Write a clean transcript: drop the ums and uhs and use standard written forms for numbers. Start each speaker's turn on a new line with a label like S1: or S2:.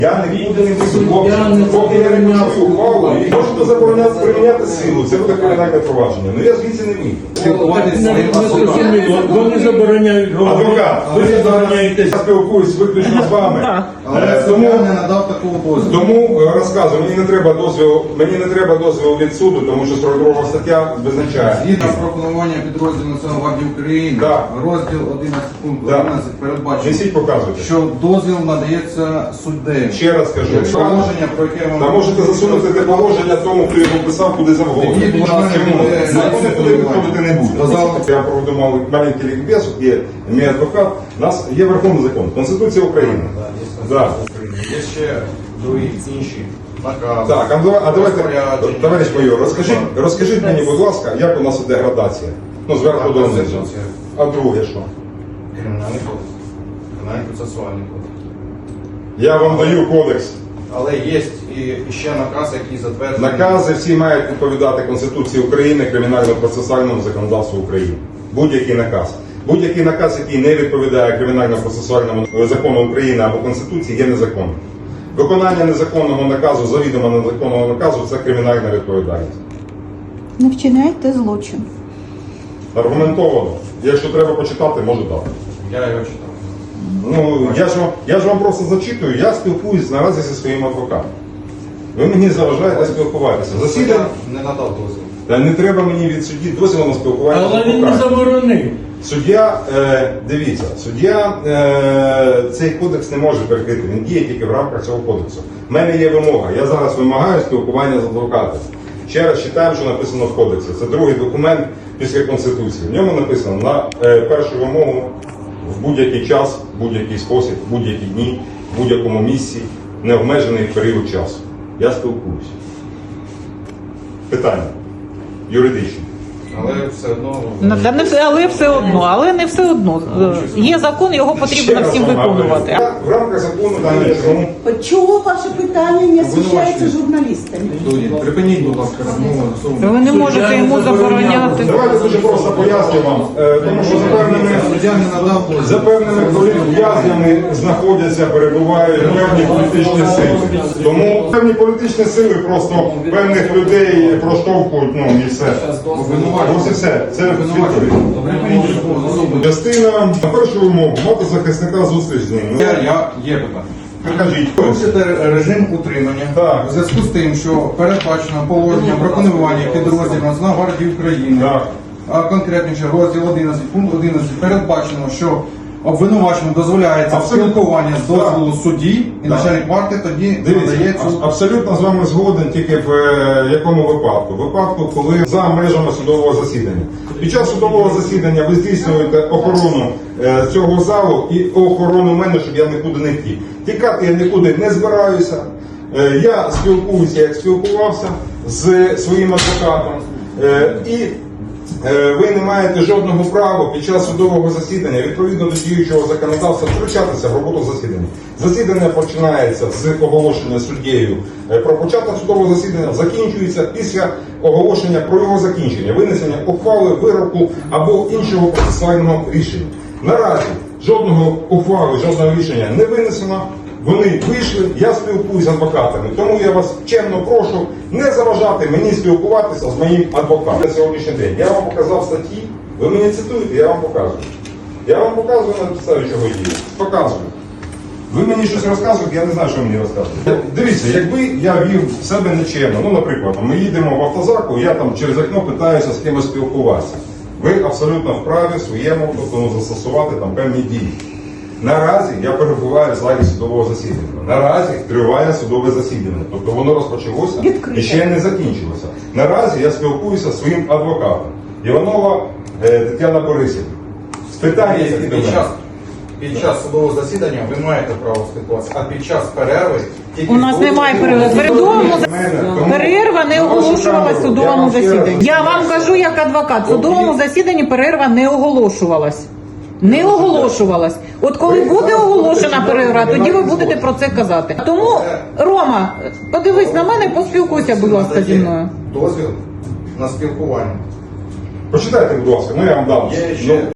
S1: Я нікуди не вийду, поки я не почую ухвалу, і можете забороняти приміняти силу, це буде кримінальне провадження. Ну я звідси не вийду.
S2: Вони забороняють говорити.
S1: Адвокат,
S2: Ви забороняєте.
S1: я спілкуюсь виключно з вами.
S3: Але
S1: Тому
S3: я не надав такого дозволу.
S1: Тому розказую, мені не треба дозволу від суду, тому що 42 стаття визначає.
S3: Згідно з пропонування підрозділу Національної гвардії України,
S1: Да.
S3: розділ 11 пункт
S1: Да.
S3: 11 передбачено,
S1: Несіть, показуйте.
S3: що дозвіл надається суддею.
S1: Ще раз кажу,
S3: Положення, про яке
S1: та
S3: вам...
S1: можете засунути те положення тому, хто його писав, куди завгодно.
S3: Тоді, будь ласка, буде
S1: Закони туди виходити не буде.
S3: Сказали.
S1: Я проведу маленький лікбез, є мій адвокат, у нас є Верховний закон, Конституція України. Да.
S3: Є ще другі інші накази.
S1: Так, а давайте,
S3: розпорядження.
S1: товариш майор, розкажіть мені, будь ласка, як у нас іде градація? Ну, зверху до низу.
S3: Конституція.
S1: А друге що?
S3: Кримінальний кодекс. Кримінальний процесуальний кодекс.
S1: Я вам даю кодекс.
S3: Але є і ще наказ, який затверджений.
S1: Накази всі мають відповідати Конституції України, кримінально-процесуальному законодавству України. Будь-який наказ. Будь-який наказ, який не відповідає кримінально-процесуальному закону України або Конституції, є незаконним. Виконання незаконного наказу, завідомо незаконного наказу – це кримінальна відповідальність.
S4: Не вчиняйте злочин.
S1: Аргументовано. Якщо треба почитати, можу дати.
S3: Я його читав.
S1: Ну, я ж вам просто зачитую, я спілкуюсь наразі зі своїм адвокатом. Ви мені заважаєте спілкуватися. Засідання.
S3: Не надав дозвіл.
S1: Та не треба мені від судді дозволу на спілкування з
S2: Але він не
S1: адвокатом.
S2: заборонив.
S1: Суддя, дивіться, суддя цей кодекс не може перекрити, він діє тільки в рамках цього кодексу. У мене є вимога, я зараз вимагаю спілкування з адвокатом. Ще раз читаємо, що написано в кодексі. Це другий документ після Конституції. В ньому написано на першу вимогу в будь-який час, в будь-який спосіб, в будь-які дні, в будь-якому місці, необмежений період часу. Я спілкуюся. Питання юридичні.
S3: Але все одно...
S4: Але не все одно. Є закон, його потрібно всім виконувати.
S1: В рамках закону даного.
S5: Чого ваше питання не освіщається журналістами?
S3: Припиніть, будь ласка, розмову.
S4: Ви не можете йому забороняти.
S1: Давайте дуже просто поясню вам, тому що
S3: Суддя не надав дозвіл.
S1: за певними в'язнями знаходяться, перебувають певні політичні сили. Тому певні політичні сили просто певних людей проштовхують, ну і все. Ось і все. Це
S3: Припиніть розмову.
S1: частина на першу вимогу мати захисника зустріч з ним. Ну,
S3: Є питання.
S1: покажіть.
S3: Порушити режим утримання
S1: Так.
S3: у зв'язку з тим, що передбачено положення про панування підрозділів Національної гвардії України,
S1: Так.
S3: а конкретніше розділ 11, пункт 11, передбачено, що обвинуваченому дозволяється
S1: Абсолютно.
S3: спілкування з дозволу судді, і
S1: Так.
S3: начальник варти тоді
S1: Дивіться,
S3: надає цю...
S1: абсолютно з вами згоден, тільки в якому випадку? Випадку, коли за межами судового засідання. Під час судового засідання ви здійснюєте охорону цього залу і охорону мене, щоб я нікуди не втік. Тікати я нікуди не збираюся. Я спілкуюся, як спілкувався з своїм адвокатом. І ви не маєте жодного права під час судового засідання, відповідно до діючого законодавства, втручатися в роботу засідання. Засідання починається з оголошення суддєю про початок судового засідання, закінчується після оголошення про його закінчення, винесення ухвали, вироку або іншого процесуального рішення. Наразі жодного ухвали, жодного рішення не винесено. Вони вийшли, я спілкуюся з адвокатами. Тому я вас чемно прошу не заважати мені спілкуватися з моїм адвокатом. На сьогоднішній день я вам показав статті, ви мені цитуєте, я вам показую. Я вам показую на підставі чого дію. Показую. Ви мені щось розказуєте, я не знаю, що мені розказуєте. Дивіться, якби я вів себе нечемно, ну, наприклад, ми їдемо в автозаку, я там через окно питаюся з кимось спілкуватися. Ви абсолютно вправі своєму, тобто застосувати там певні дії. Наразі я перебуваю в залі судового засідання. Наразі триває судове засідання. Тобто воно розпочалося і ще не закінчилося. Наразі я спілкуюся зі своїм адвокатом. Іванова Тетяна Борисівна. З питання, які до мене.
S3: Під час судового засідання ви маєте право спілкуватися, а під час перерви...
S4: У нас немає перерви. Перерва не оголошувалась в судовому засіданні. Я вам кажу як адвокат, в судовому засіданні перерва не оголошувалась. Не оголошувалась. От коли буде оголошена перерва, тоді ви будете про це казати. Тому, Рома, подивись на мене, поспілкуйся, будь ласка, зі мною.
S3: Дозвіл на спілкування.
S1: Почитайте, будь ласка, ну я вам дам.
S3: Є ще